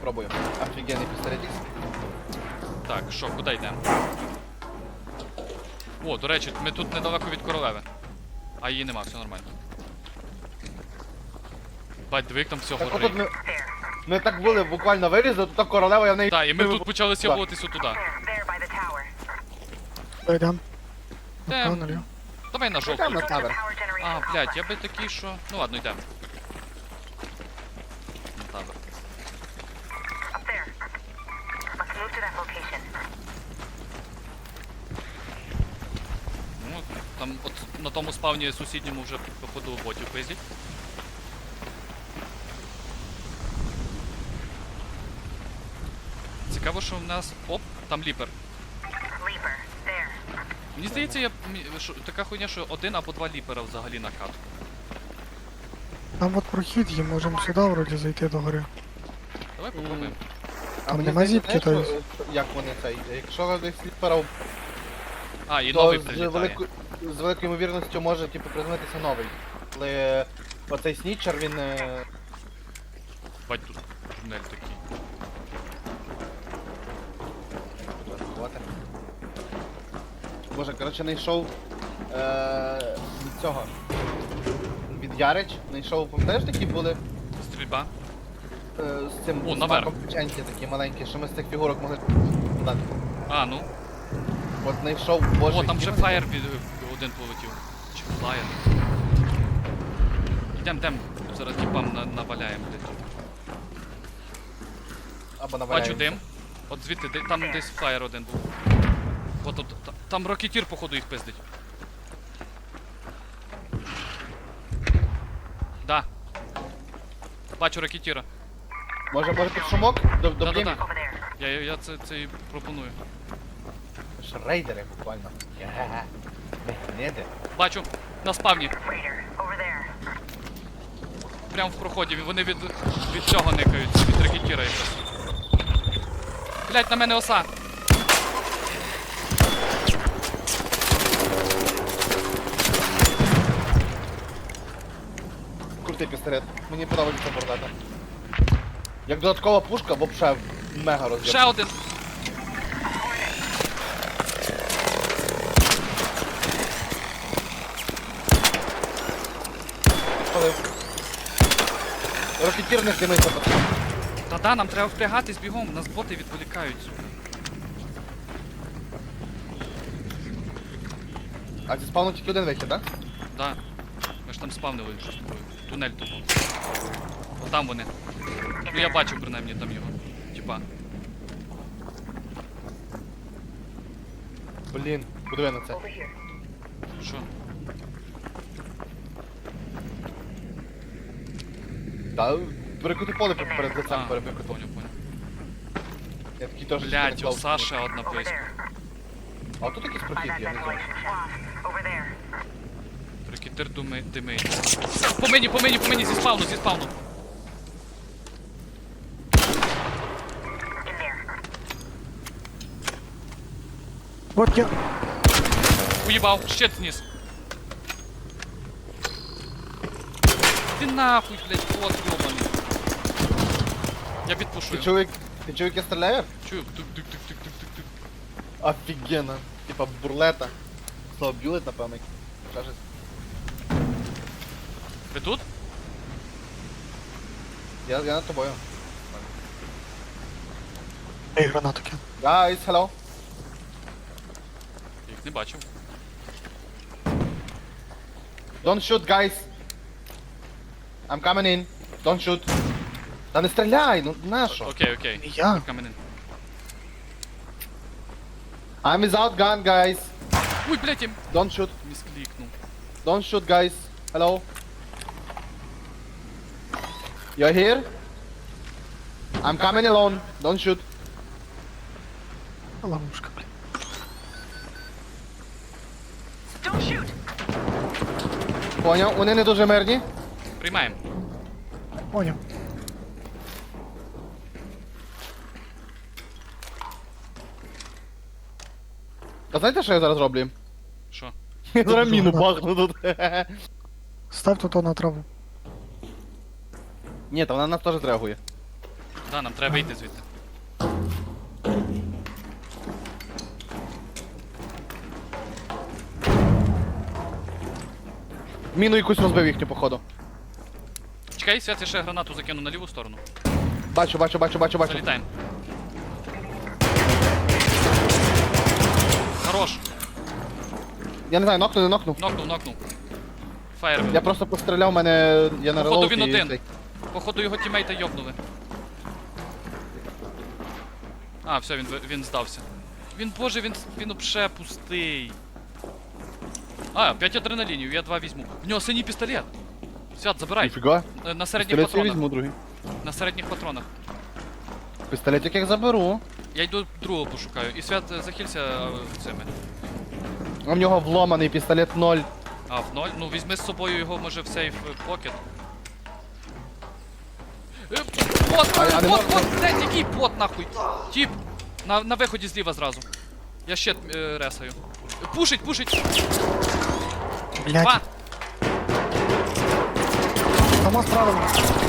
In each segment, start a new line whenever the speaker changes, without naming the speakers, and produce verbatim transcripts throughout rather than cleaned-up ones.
спробую. Офігенний пістолетик.
Так, що, куди йдемо? О, до речі, ми тут недалеко від королеви. А її нема, все нормально. Бать, дивик, там все
Так
горить.
отут ми... Ми так були, буквально вилізли, тут та королева, я в неї...
Так, і ми тут почали сябуватися туди.
Дойдем.
Де?
Направо, наліво.
Давай на жовту.
Йдемо на тавер.
А, блядь, я би такий, що... Ну ладно, йдемо. На табор. Ну, там от на тому спавні сусідньому вже походу ботів пиздять. Цікаво, що в нас... Оп, там ліпер. Мені здається, я... мі- що- така хуйня, що один або два ліпера взагалі на катку.
Там от прохід є, можемо сюди вроді зайти до гори.
Давай попробуємо.
А
Там
мені
нема
здається,
зіпки,
знаєш,
то
що- що- як вони цей, якщо десь сліпера,
А, і
то
новий
з,
прилітає.
велику, з великою ймовірністю може типу приземлитися новий. Але оцей снічер, він... е,
Бать, тут тунель такий.
От. Боже, коротше, знайшов е, від цього. Від Ярич, знайшов, пам'ятаєш, такі були
Стрільба.
е, з цим
О,
з
наверх.
маком печеньки такі маленькі, що ми з цих фігурок могли дати.
А, ну.
От знайшов, боже.
О, там
які
вже
вони-
фаєр від один полетів. Чи флаєр. Йдем, йдем. Зараз тіпам на, наваляємо, блядь.
Або наваляємося.
Бачу дим. От звідти, де- там десь флаєр один був. От, от, та- там рокетір, походу, їх пиздить. Да. Бачу рокетіра.
Може, може під шумок? До, до
Да-да-да. Я, я, я це, це і пропоную.
Ж рейдери буквально. Є. Не де.
Бачу, на спавні. Прямо в проході, вони від, від цього никають, від ракетіра якраз. Блять, на мене оса!
Крутий пістолет. Мені подобається бордата. Як додаткова пушка, вообще мега роз'єм.
Ще один!
Підпалив. Рокетір не димиться, пацан.
Та-да, нам треба впрягатись бігом, нас боти відволікають, сука.
А зі спавну тільки один вихід, так?
Да. Ми ж там спавнили щось такое. Тунель тупо. Отам вони. Ну я бачив принаймні там його. Типа.
Блін, подиви на це.
Що?
Та перекути поле перед перед лицем
А,
перебикути.
поняв, поняв.
Я такий теж...
Блять,
не
оса ще одна близько.
А тут якийсь прохід є, не знаю.
Рекетир думи, димить. По мені, по мені, по мені, зі спавну, зі спавну.
От я.
Уїбав, щит зніс. Ти нахуй, блять, вот йобаний. Я
Ти
відпушую.
чув, як... Ти чув, як я стріляю?
Чую, тук-тук-тук-тук-тук-тук.
Офігенно. Типа бурлета. Слово бюлет, напевно. Ще щось.
Ви тут?
Я, я над тобою.
Ей, гранату кину.
Guys, hello.
Я їх не бачив.
Don't shoot, guys. I'm coming in. Don't shoot. Та не стріляй, ну нащо?
Окей, окей.
Не я.
Coming in.
I'm without gun, guys.
Ой, блять, я
Don't shoot.
місклікнув.
Don't shoot, guys. Hello. You're here? I'm coming alone. Don't shoot.
Ловушка, блін.
Поняв, вони не дуже мирні.
Приймаємо.
Поняв.
А знаєте, що я зараз роблю?
Що?
Я зараз
Дуже
міну
гарно.
бахну тут.
Став тут на траву.
Ні, та вона на нас теж реагує.
Да, нам треба вийти звідти.
Міну якусь розбив їхню, походу.
Чекай, Свят, я ще гранату закину на ліву сторону.
Бачу, бачу, бачу, бачу, бачу.
Залітаємо. Хорош.
Я не знаю, нокнув, не нокнув.
Нокнув, нокнув. Фаєр.
Я просто постріляв, мене... Я на
Походу
релоуді
він
і
один.
цей.
Походу його тімейта йобнули. А, все, він, ви- він здався. Він, боже, він, він вообще пустий. А, п'ять адреналінів, я два візьму. В нього синій пістолет. Свят, забирай.
Ніфіга.
Е, На середніх
Пістолет я
патронах.
візьму, другий.
На середніх патронах.
Пістолетик як заберу.
Я йду другого пошукаю. І Свят, е, захилься е, цими.
А в нього вломаний пістолет ноль.
А, в ноль? Ну візьми з собою його, може, в сейф е, покет. Е, Пот,
А, а не
пот,
можна?
пот, блядь, який пот, нахуй? Тіп, на, на виході зліва зразу. Я щит е, ресаю. Е, Пушить, пушить.
Блядь,
Два.
там справа.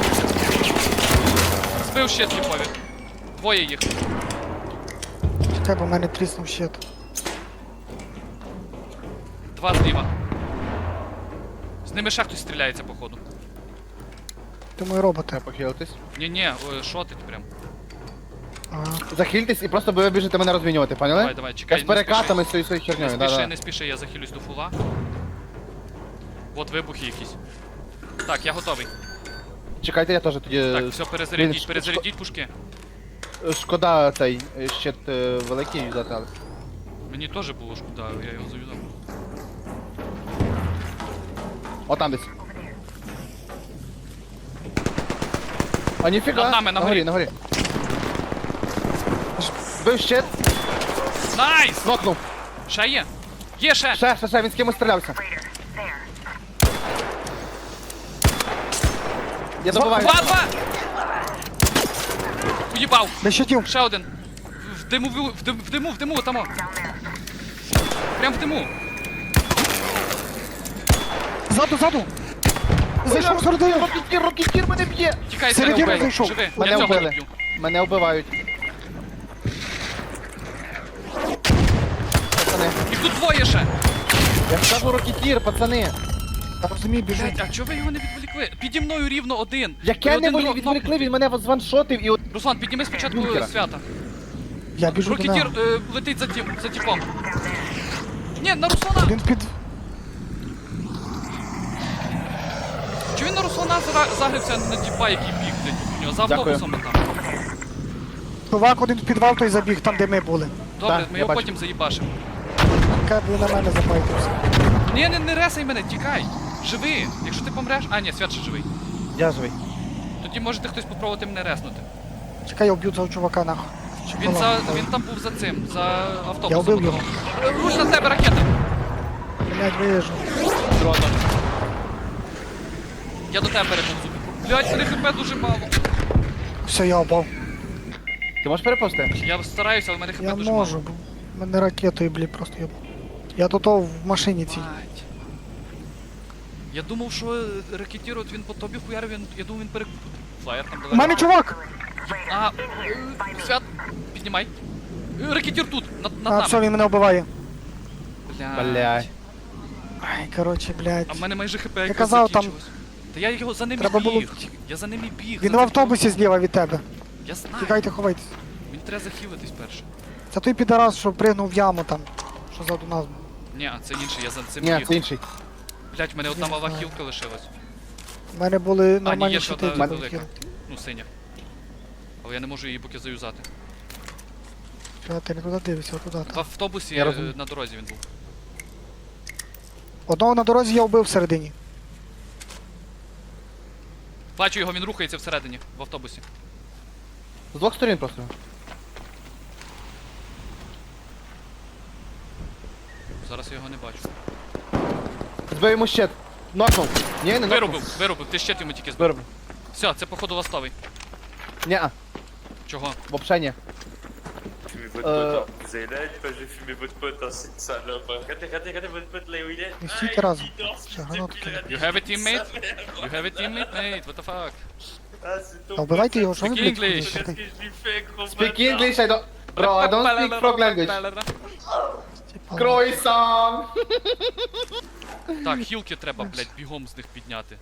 Збив щит тіпові. Двоє їх.
Чекай, бо в мене тріснув щит.
Два зліва. З ними ще хтось стріляється, походу.
Ти мої роботи.
Треба похилитись.
Ні-ні, о, шотить прям.
Ага.
Захильтесь і просто ви біжите мене розмінювати, поняли?
Давай, давай, чекай,
Я з
не
перекатами з цією своєю
Не
хернею,
спіши,
да-да.
не спіши, я захилюсь до фула. От вибухи якісь. Так, я готовий.
Чекайте, я теж тоді...
Так, все, перезарядіть,
Блін,
перезарядіть пушки.
Шкода цей е, щит е, великий взяти, але...
Мені теж було шкода, я його зав'язав.
О, там десь. А ніфіга.
Над нами, на горі.
на горі. Збив щит,
Найс!
нокнув.
Ще є? Є ще!
Ще, ще, ще, він з кимось стрілявся. Я добиваю.
Два, два! Уїбав!
Без щитів.
Ще один. В диму, в в диму, в диму, в диму, тамо. Прям в диму.
Ззаду, ззаду. Зайшов середину.
Рокетір, рокетір мене б'є.
Тікай,
Середину
Сергій,
зайшов.
живи.
Мене
Я цього
вбили.
не б'ю.
Мене вбивають. Пацани.
Їх тут двоє ще.
Я ж кажу рокетір, пацани.
Я розумію, біжу.
Блять, а чого ви його не відволікли? Піді мною рівно один.
Яке
І
не
один
волі
друг-
відволікли, він мене званшотив і от...
Руслан, підніми спочатку
Бункера.
свята.
Я біжу до
Рокетір
нього.
е, летить за, тіп, за тіпом. Ні, на Руслана!
Він під...
Чи він на Руслана зара- загрився на тіпа, який біг, блядь, у нього за
Дякую.
автобусом там?
Чувак один в підвал той забіг, там де ми були.
Добре,
Так,
ми
я
його
бачу.
потім заїбашимо.
Кай би на мене запайтився.
Ні, не, не ресай мене, тікай! Живи! Якщо ти помреш. А, ні, свят ще живий.
Я живий.
Тоді можете хтось попробувати мене реснути.
Чекай, я вб'ю цього чувака нахуй.
Він за. він там був за цим, за автобусом.
Я вбив його.
Е, Руш на тебе ракета!
Блядь, виїжджу.
Я до тебе переповзу. Блять, мене хп дуже мало.
Все, я упав.
Ти можеш переповзти?
Я стараюся, але в мене хп
Я
дуже
можу,
мало.
бо мене ракетою, блядь, просто я... Я тут в машині цій.
Мать. Я думав, що е, ракетір, от він по тобі хуярив, він, я думав, він перек... Флаєр там
У
далеко.
мене чувак!
А, е, свят, піднімай. Е, Ракетір тут, над, над
А,
нами.
все, він мене вбиває.
Блядь.
Блядь.
Ай, коротше, блядь.
А в мене майже хп якось
казав, там-
закінчилось. Та я його за ним
Треба було
біг.
втік-
Я за ним і біг.
Він
за
в
цим
автобусі зліва від тебе.
чуваком. Я знаю.
Тікайте, ховайтесь.
Мені треба захилитись перше.
Це той підарас, що пригнув в яму там. Що ззаду нас був.
Ні, а це інший, я за цим
Ні,
біг.
це інший.
Блять, в мене одна
Я
мала
знаю.
хілка лишилась.
У мене були
є
нормальні
ще
щити.
одна
які
велика.
були.
Ну, синя. Але я не можу її поки заюзати.
Чого ти не туди дивишся, туди.
В автобусі
Я
е,
розумію.
на дорозі він був.
Одного на дорозі я вбив всередині.
Бачу його, він рухається всередині, в автобусі.
З двох сторін просто.
Зараз я його не бачу.
Збив йому щит. Нокнув. Ні, не нокнув.
Вирубив, вирубив, ти щит йому тільки збив.
Виробив.
Все, це походу ластовий.
Ні,
Чого?
взагалі ні.
Fumez votre
Euh.
pote, hein. Vous avez la haine, moi je vais fumer votre pote, hein, c'est une salope. hein. Regardez, regardez, regardez votre pote là où il est.
Не
Ah,
стільки разом.
il danse,
Ще
fils de
гранату
pile,
кинув.
regardez,
You have a
il
teammate?
s'appelle.
You have a teammate, mate? What the fuck?
Ah, c'est ton
Та вбивайте його, що ви,
Speak
блядь,
English.
ходите?
Qu'est-ce que je lui fais, gros
Speak
bâtard?
English, I don't... Bro, I don't speak frog language.
Типа,
Croissant!
Так, хілки треба, блядь, бігом з них підняти.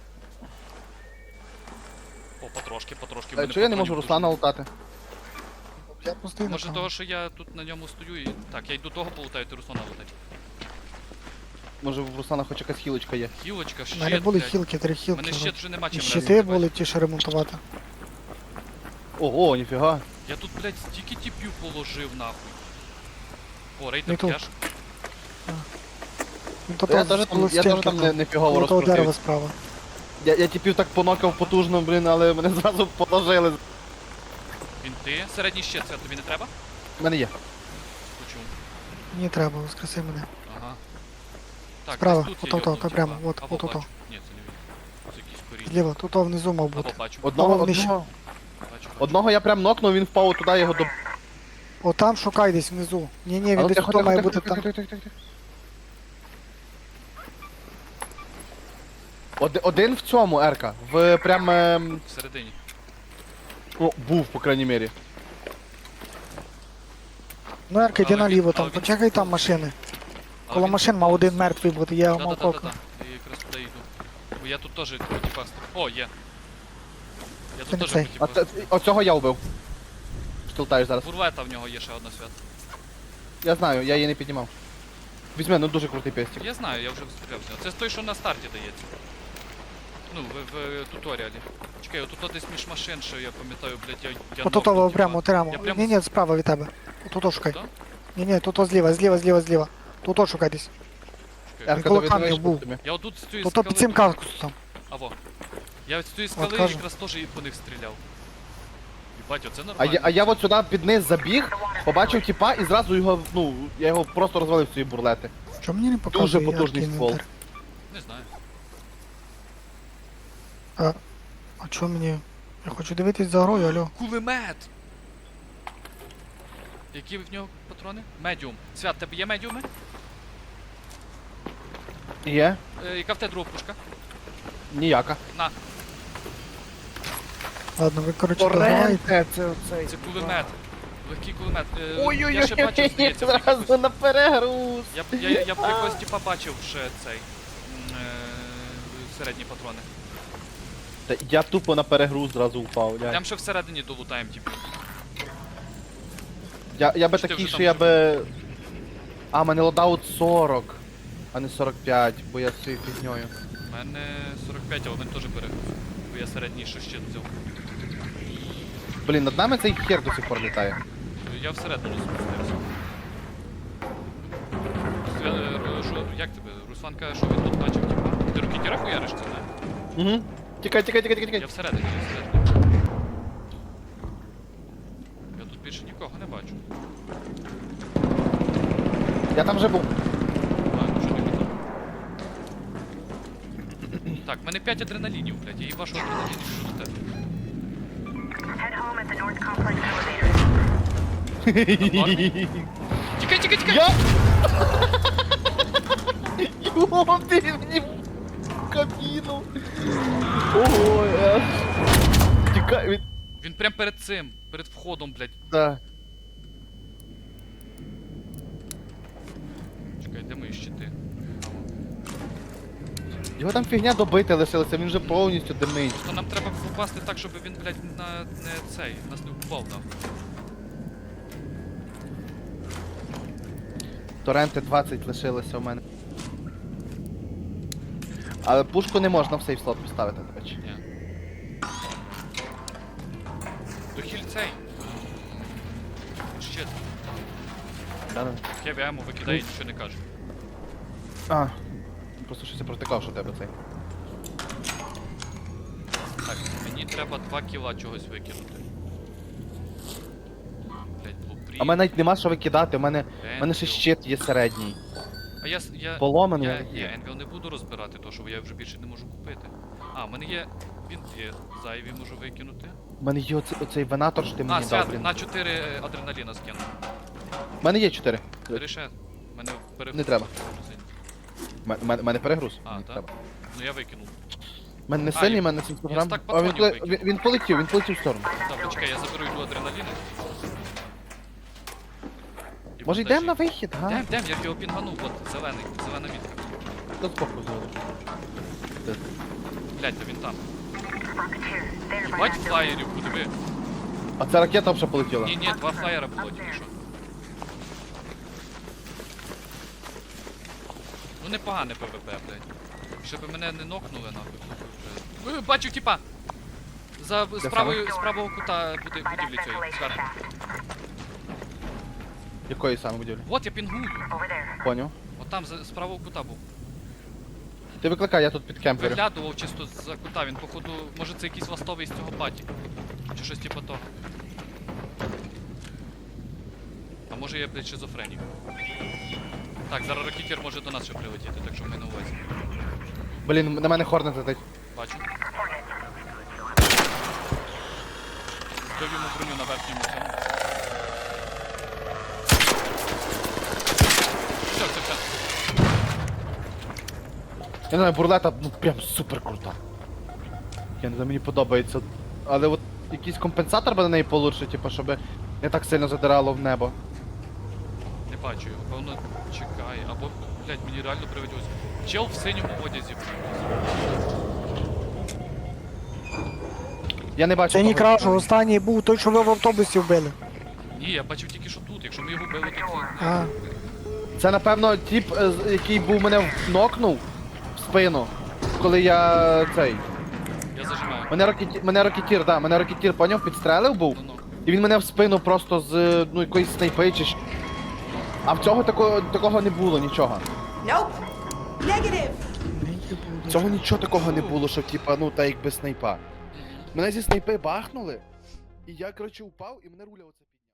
О, потрошки, потрошки. в
Е,
мене
Чого я не
патронів
можу
дуже.
Руслана лутати?
Я постійно
Може
там.
того, що я тут на ньому стою і... Так, я йду того полутаю, ти Руслана лутать.
Може в Руслана хоч якась хілочка є.
Хілочка,
У
щит,
мене були
блядь.
хілки, три
У
хілки.
мене щит вже нема
І
чим
щити
разити,
були ті, що ремонтувати.
Ого, ніфіга.
Я тут, блядь, стільки тіпів положив, нахуй. О,
Не
рейтер
тут.
кеш.
Ну, то
Я
то
теж там,
було
я теж
стінка
там не,
там,
не фігово
коло того дерева
розкрутив.
справа.
Я, я типів так понокав потужно, блін, але мене зразу положили.
Він ти. Середній щит, це тобі не треба?
У мене є.
Почув.
Мені треба, воскреси мене.
Ага. Так,
Справа,
десь тут є
ото, ото,
йобнуті,
прямо,
типа.
от,
Або
от, ото.
бачу. Ні, це не він. Це якийсь корінь.
Зліва, тут о, внизу мав
Або
бути.
бачу.
Одного,
Або вниз.
одного,
Бачу, бачу.
одного я прям нокнув, він впав туди, його до...
О, там шукай десь внизу. Ні, ні,
А
він
ну,
десь
тихо,
тут
тихо,
має
тихо,
бути
тихо,
там.
тихо, тихо, тихо. Оди- Один в цьому, Ерка, в прям... ем,
Всередині.
Ну, був, по крайній мірі.
Ну, Ерка, йди
Але він-
наліво,
але
там,
він-
почекай там машини.
Але
Коло
він-
машин мав один мертвий бути, я його мав
Да-да-да-да-да.
кокнути.
Я якраз туди йду. Бо я тут теж хотів пасти. О, є. Я
Це
тут
не
теж
цей.
хотів
А
пасти.
це, оцього я вбив. Штилтаєш зараз.
Бурвета в нього є ще одна свят.
Я знаю, я її не піднімав. Візьми, ну дуже крутий пестик.
Я знаю, я вже стріляв з нього. Це той, що на старті дається. Ну, в, в туторіалі. Чекай, отут десь між машин, що я пам'ятаю, блядь, я, я
Ото
нокнув,
того
типа.
прямо, прямо.
Я прямо-
Ні, ні, справа від тебе. Тут шукай.
Да?
Ні, ні, тут зліва, зліва, зліва, зліва. Тут шукай десь.
Чекай.
Ерка,
коло
тобі
камнів
дивись,
був.
що тобі.
Я отут з цієї
Тут
скали...
під цим кактусом.
Аво. Я з цієї скали
кажу.
якраз теж і по них стріляв. Єбать, оце
А
нормально.
я, а я от сюди під низ забіг, побачив тіпа і зразу його, ну, я його просто розвалив з цієї бурлети.
Чому мені не показує
потужний
яркий
ствол.
інвентар?
Не знаю.
А чого мені? Я хочу дивитись за грою, алло.
Кулемет! Які в нього патрони? Медіум. Свят, тебе є медіуми?
Є?
Е, яка в тебе друга пушка?
Ніяка.
На,
Ладно, ви, коротше, дограєте.
це оцей.
це кулемет. Легкий кулемет. Е, я ще
Ой-ой-ой,
бачив, здається, в якихось-
зразу на перегруз.
Я, я, я, я в якогось типа бачив ще цей. м, Е, середні патрони.
Та я тупо на перегруз зразу впав. Я,
Там ще всередині долутаємо, типу.
я, я би
Чи ти
такий,
вже
що
там
я
вже
би... А, мене лодаут сорок, а не сорок п'ять, бо я з цією фігньою.
У мене сорок п'ять, але він теж перегруз. Бо я середній ще щит взяв.
Блін, над нами цей хер до сих пор літає.
Я всередину спустився. Свя- е, Ру- що, як тебе? Руслан каже, що він тут бачив, типа. Ти ракетіра хуяриш це, не?
Угу. Тікай, тікай, тікай, тікай,
Я
тікай.
всередині, я всередині. Я тут більше нікого не бачу.
Я там вже був.
А, вже не видно. Так, в мене п'ять адреналінів, блядь, я їбашу адреналінів, що до тебе.
Head home at the North Complex elevator.
Нормальний? Тікай, тікай, тікай!
Я... Йо, ти мені в кабіну. Ого, я... Тікай від...
Він прям перед цим, перед входом, блядь.
Да.
Чекай, де мої щити?
Його там фігня добити лишилася, він вже повністю димить.
Просто нам треба попасти так, щоб він, блядь, на не цей, нас не вбивав нахуй.
Торренти двадцять лишилося у мене. Але пушку не можна в сейф слот поставити, до речі.
Ні. Дохіль цей. Щит.
Да-да.
Хеві ему викидає і нічого не каже.
А, просто щось я протикав, що в тебе цей.
Так, мені треба два кіла чогось викинути. Блять, блупрі.
А в мене навіть нема що викидати, у мене, у мене ще
Енвіл.
щит є середній.
А я, с- я,
Поломаний.
я,
але
ні,
є.
Енвіл не буду розбирати, то що я вже більше не можу купити. А, в мене є бінти зайві можу викинути.
У мене є оцей, оцей венатор, що ти
А,
мені дав,
свят,
блін.
на чотири адреналіна скину.
У мене є чотири.
Бери ще. В Мене перегруз
Не треба.
дуже сильно.
У мене, мене перегруз.
А,
Мені
так?
треба.
Ну я викинув.
У мене не
А,
сильний,
і-
у мене сімсот
я
грам.
стак
А він,
патронів
поле-
викинув.
він, він полетів, він полетів в сторону.
Добре, чекай, я заберу йду адреналіни. І
Може
бандажі.
йдемо на вихід, га?
Йдем, йдем, я його пінганув, от, зелений, зелена мітка.
До збоку зробив.
Блять, то він там.
Rocketeer, there by
Бать
that building.
флаєрів, подиви.
А ця ракета вже полетіла.
Ні, ні, два флаєра було тільки що. Ну непогане ПВП, блядь. Щоб мене не нокнули нахуй. то вже- Е, Бачу, типа! За з правої, з правого кута буде
By that
будівлі цієї,
ventilation
зверху.
shaft.
Якої саме будівлі?
Вот я пінгую.
Over there.
Поняв.
От там з з правого кута був.
Ти викликай, я тут під кемпером.
Виглядував чисто за кута, він походу, може це якийсь ластовий з цього паті. Чи щось типу того. А може я, блядь, шизофренік. Так, зараз ракетір може до нас ще прилетіти, так що ми на увазі.
Блін, на мене хорнет летить.
Бачу. Збив йому броню на верхньому цьому. Все, все, все.
Я не знаю, бурлета, ну прям супер крута. Я не знаю, мені подобається. Але от якийсь компенсатор би на неї получше, типу, щоб не так сильно задирало в небо.
Не бачу його, певно чекає. Або, блядь, мені реально привиділось. Чел в синьому одязі.
Я не бачу.
Це не
того,
крашу,
що-
останній був той, що ви в автобусі вбили.
Ні, я бачив тільки що тут. Якщо ми його били, то це...
А,
Це напевно тип, е, з- який був мене нокнув в спину, коли я цей.
Я зажимаю.
Мене ракетір, мене ракетір, да, мене ракетір, поняв, підстрелив був.
Ну-ну.
І він мене в спину просто з ну якоїсь снайпи чи щ- А в цього такого, такого не було нічого.
Nope. Negative.
В цього нічого такого не було, що типа, ну та якби снайпа. Мене зі снайпи бахнули, і я, коротше, упав, і мене руля оце.